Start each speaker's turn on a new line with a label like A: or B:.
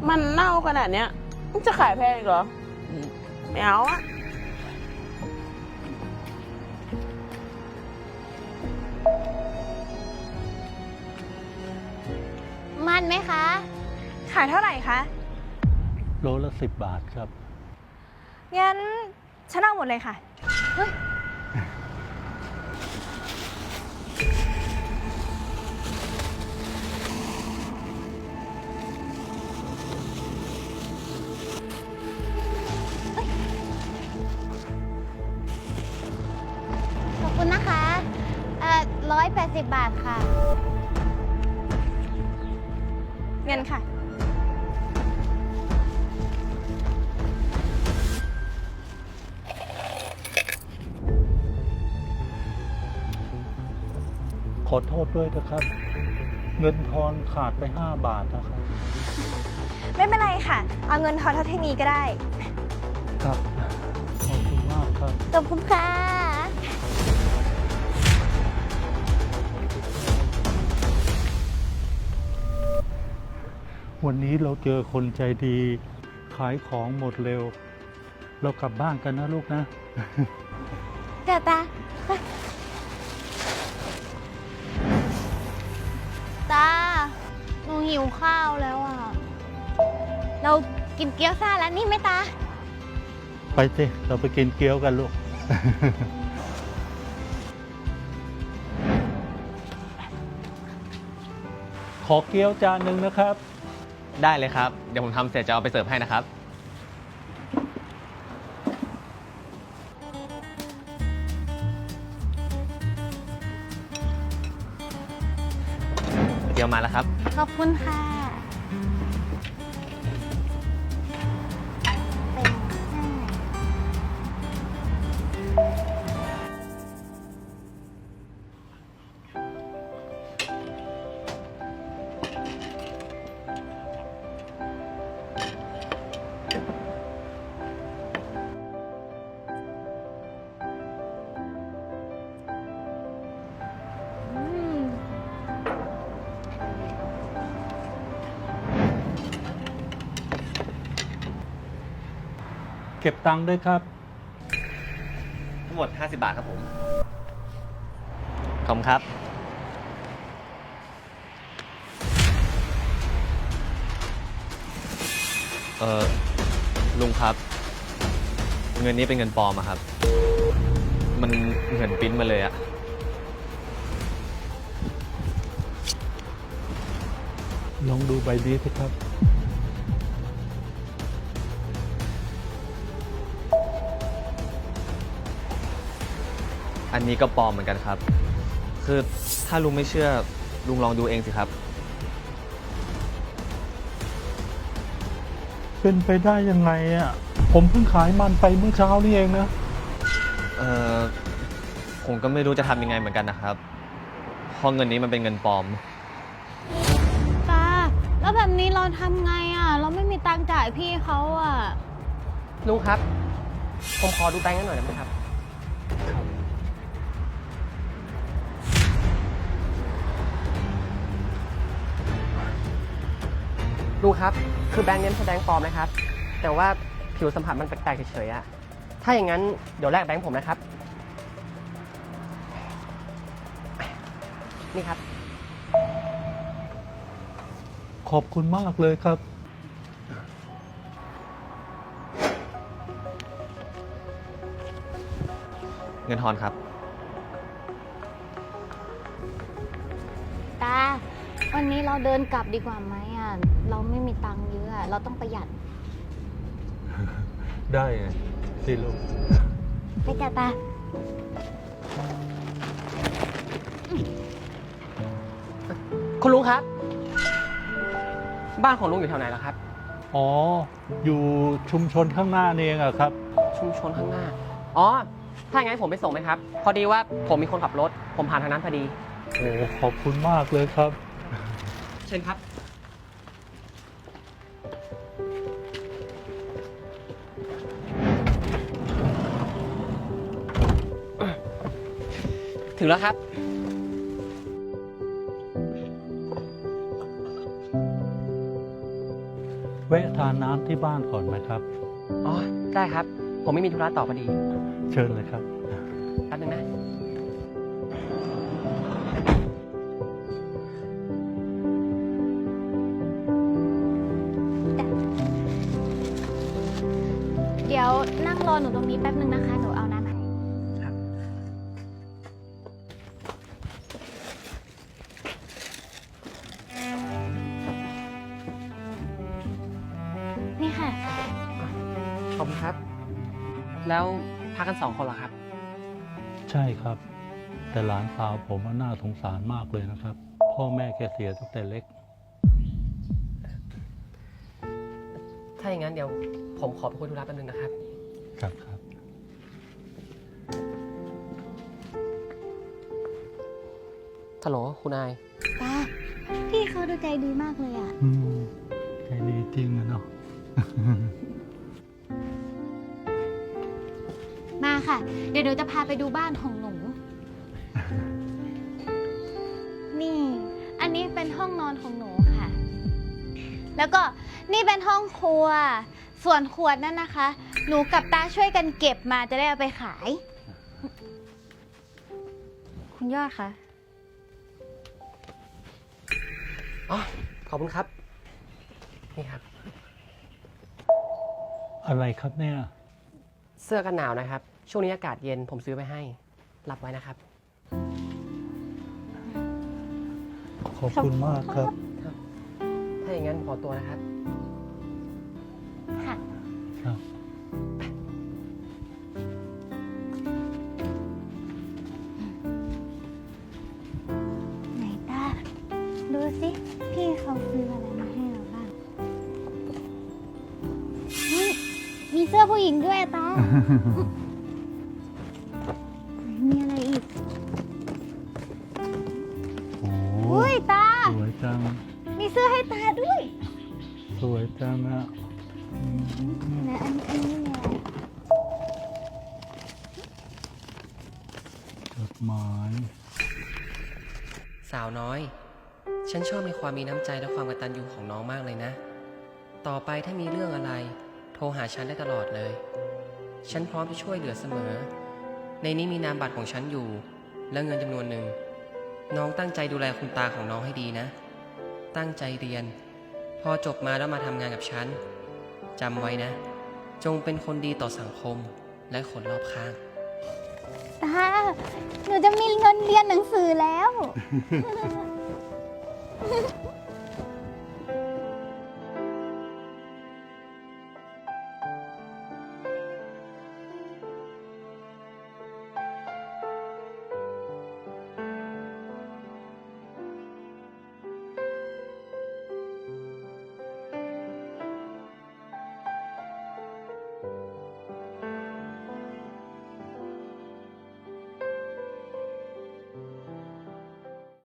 A: มันเน่าขนาดเนี้ยมันจะขายแพงอีกเหรอไม่เอาอะ
B: มันไหมคะ ขายเท่าไหร่คะ
C: โลละ10 บาทครับ
B: งั้นฉันเอาหมดเลยค่ะ ขอบคุณนะคะ180 บาทค่ะ เงินค่ะ
C: ขอโทษด้วยนะครับ เงินทอนขาดไป5 บาทนะครับ
B: ไม่เป็นไรค่ะ เอาเงินทอนเท่าที่มีก็ได้
C: ครับ ขอบคุณมากครับ
B: ขอบคุณค่ะ
C: วันนี้เราเจอคนใจดี ขายของหมดเร็ว เรากลับบ้านกันนะลูกนะ
B: เดี๋ยวตา ตา หนูหิวข้าวแล้วอ่ะ เรากินเกี๊ยวซ่าแล้วนี่ไหมตา
C: ไปสิเราไปกินเกี๊ยวกันลูก ขอเกี๊ยวจานหนึ่งนะครับ
D: ได้เลยครับ เดี๋ยวผมทำเสร็จจะเอาไปเสิร์ฟให้นะครับ เดี๋ยวมาแล้วครับ
B: ขอบคุณค่ะ เป็น5
C: เก็บตังค์ด้วยครับ
D: ทั้งหมด 50 บาทครับผม ขอบคุณครับ ลุงครับ เงินนี้เป็นเงินปลอมอะครับ มันเหมือนปริ้นมาเลยอะ
C: ลองดูใบนี้สิครับ
D: อันนี้ก็ปลอมเหมือนกันครับ คือถ้าลุงไม่เชื่อ ลุงลองดูเองสิครับ
C: เป็นไปได้ยังไงอ่ะ ผมเพิ่งขายมันไปเมื่อเช้านี่เองนะ
D: ผมก็ไม่รู้จะทำยังไงเหมือนกันนะครับ เพราะเงินนี้มันเป็นเงินปลอม
B: ตา แล้วแบบนี้เราทำไงอ่ะ เราไม่มีตังค์จ่ายพี่เขาอ่ะ
E: ลุงครับ ผมขอดูแบงค์กันหน่อยได้ไหมครับ ลุงครับ คือแบงค์นี้ไม่ใช่แบงค์ปลอมนะครับ แต่ว่าผิวสัมผัสมันแปลกๆเฉยๆอะถ้าอย่างนั้นเดี๋ยวแลกแบงค์ผมนะครับ นี่ครับ
C: ขอบคุณมากเลยครับ
D: เงินทอนครับ
B: ตา วันนี้เราเดินกลับดีกว่าไหมอ่ะ เราไม่มีตังค์เยอะอะเราต้องประหยัด
C: ได้ไงสิลูก
B: ไปจ้ะตา
E: คุณลุงครับ บ้านของลุงอยู่แถวไหนล่ะครับ
C: อ๋อ อยู่ชุมชนข้างหน้านี่เองอะครับ
E: ชุมชนข้างหน้า อ๋อ ถ้าอย่างนั้นผมไปส่งไหมครับ พอดีว่าผมมีคนขับรถ ผมผ่านทางนั้นพอดี
C: โอ้ ขอบคุณมากเลยครับ
E: เชิญครับ ถึงแล้วครับ
C: แวะทานน้ำที่บ้านก่อนไหมครับ
E: อ๋อ ได้ครับ ผมไม่มีธุระต่อพอดี
C: เชิญเลยครับ
E: แป๊บนึงนะ
B: เดี๋ยวนั่งรอหนูตรงนี้แป๊บนึงนะคะ หนูเอาน้ำให้
E: ครับ
B: นี่ค่ะ
E: ขอบคุณครับ แล้วพักกัน2 คนเหรอครับ
C: ใช่ครับ แต่หลานสาวผมน่าสงสารมากเลยนะครับ พ่อแม่แกเสียตั้งแต่เล็ก
E: ถ้าอย่างนั้นเดี๋ยวผมขอไปคุยธุระแป๊บนึงนะครับ
C: ครับครับ
E: ฮัลโหลคุณนาย
B: ตา พี่เขาดูใจดีมากเลยอ่ะ
C: อืมใจดีจริงอะเนาะ
B: มาค่ะ เดี๋ยวหนูจะพาไปดูบ้านของหนู นี่ อันนี้เป็นห้องนอนของหนูค่ะ แล้วก็นี่เป็นห้องครัว ส่วนขวดนั่นนะคะ หนูกับตาช่วยกันเก็บมาจะได้เอาไปขาย คุณยอดคะ
E: อ๋อ ขอบคุณครับ นี่ครับ
C: อะไรครับเนี่ย
E: เสื้อกันหนาวนะครับ ช่วงนี้อากาศเย็นผมซื้อไปให้ รับไว้นะครับ
C: ขอบคุณมากครับ
E: ถ้าอย่างนั้นขอตัวนะครับ
B: ค่ะ
C: ครับ
B: ไหนตา ดูสิ พี่เขาซื้ออะไรมาให้เราบ้างนี่มีเสื้อผู้หญิงด้วยอะตา มีอะไรอีก
C: โอ้
B: อุ้ยตา
C: สวยจัง
B: มีเสื้อให้ตาด้วย
C: สวยจังอะอืม
B: นะอันนี้เนี่ย
C: จดหมาย
E: สาวน้อย ฉันชอบในความมีน้ำใจและความกตัญญูของน้องมากเลยนะ ต่อไปถ้ามีเรื่องอะไร โทรหาฉันได้ตลอดเลย ฉันพร้อมจะช่วยเหลือเสมอ ในนี้มีนามบัตรของฉันอยู่ และเงินจำนวนหนึ่ง น้องตั้งใจดูแลคุณตาของน้องให้ดีนะ ตั้งใจเรียน พอจบมาแล้วมาทำงานกับฉัน จำไว้นะ จงเป็นคนดีต่อสังคมและคนรอบข้าง
B: ตา หนูจะมีเงินเรียนหนังสือแล้ว